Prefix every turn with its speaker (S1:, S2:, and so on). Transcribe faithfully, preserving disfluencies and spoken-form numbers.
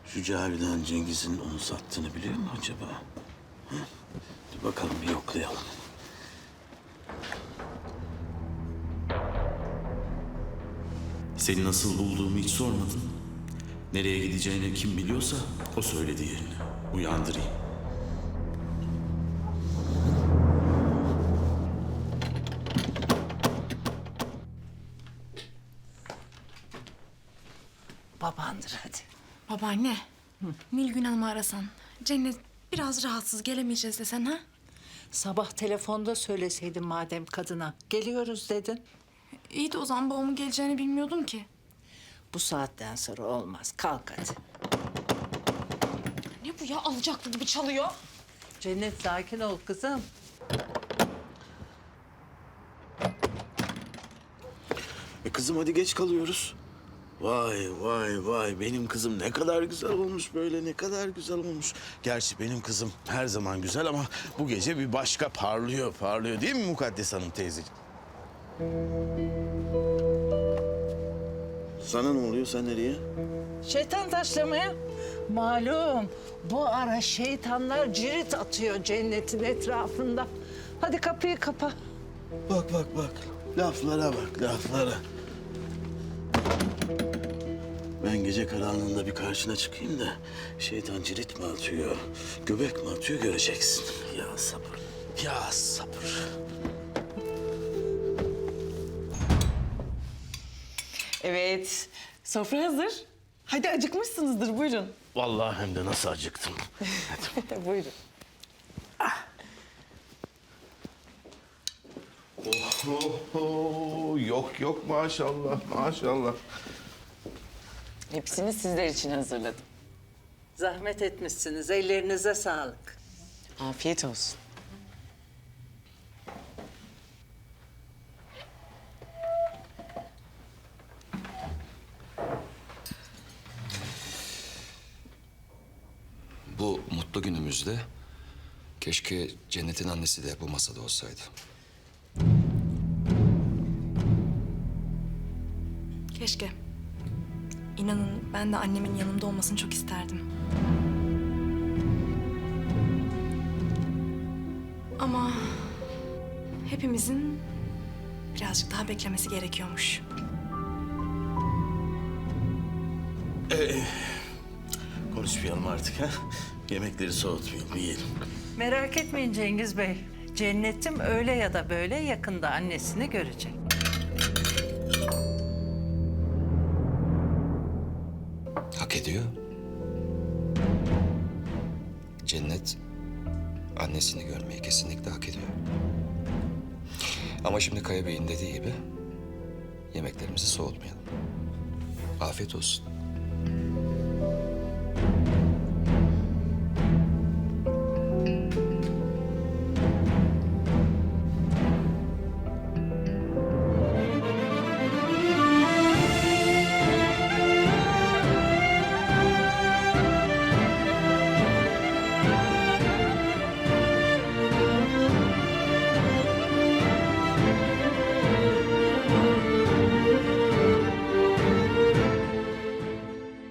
S1: Şu Cavidan Cengiz'in onu sattığını biliyor mu acaba? Hı? Dur bakalım bir yoklayalım. Seni nasıl bulduğumu hiç sormadın. Nereye gideceğini kim biliyorsa o söyledi yerini. Uyandırayım.
S2: Babandır hadi.
S3: Babaanne, Nilgün Hanım'ı arasan. Cennet biraz rahatsız, gelemeyeceğiz desen ha?
S2: Sabah telefonda söyleseydin madem kadına. Geliyoruz dedin.
S3: İyi de o zaman babamın geleceğini bilmiyordum ki.
S2: Bu saatten sonra olmaz. Kalk hadi.
S3: Ne bu ya, alacaklı gibi çalıyor.
S2: Cennet sakin ol kızım.
S1: E kızım hadi geç kalıyoruz. Vay vay vay benim kızım ne kadar güzel olmuş böyle ne kadar güzel olmuş. Gerçi benim kızım her zaman güzel ama bu gece bir başka parlıyor parlıyor değil mi Mukaddes Hanım teyzeciğim? Sana ne oluyor sen nereye?
S2: Şeytan taşlamaya. Malum bu ara şeytanlar cirit atıyor cennetin etrafında. Hadi kapıyı kapa.
S1: Bak bak bak laflara bak laflara. Ben gece karanlığında bir karşına çıkayım da şeytan cirit mi atıyor, göbek mi atıyor göreceksin. Ya sabır, ya sabır.
S4: Evet, sofra hazır. Hadi acıkmışsınızdır, buyurun.
S1: Vallahi hem de nasıl acıktım.
S4: Buyurun.
S5: Oho, yok yok maşallah maşallah.
S4: Hepsini sizler için hazırladım.
S2: Zahmet etmişsiniz. Ellerinize sağlık.
S4: Afiyet olsun.
S6: Bu mutlu günümüzde keşke Cennet'in annesi de bu masada olsaydı.
S3: Keşke. İnanın ben de annemin yanımda olmasını çok isterdim. Ama hepimizin birazcık daha beklemesi gerekiyormuş.
S1: Konuşmayalım artık ha. Yemekleri soğutmayalım, yiyelim.
S2: Merak etmeyin Cengiz Bey. Cennetim öyle ya da böyle yakında annesini görecek.
S6: Hak ediyor. Cennet annesini görmeyi kesinlikle hak ediyor. Ama şimdi Kaya Bey'in dediği gibi yemeklerimizi soğutmayalım. Afiyet olsun.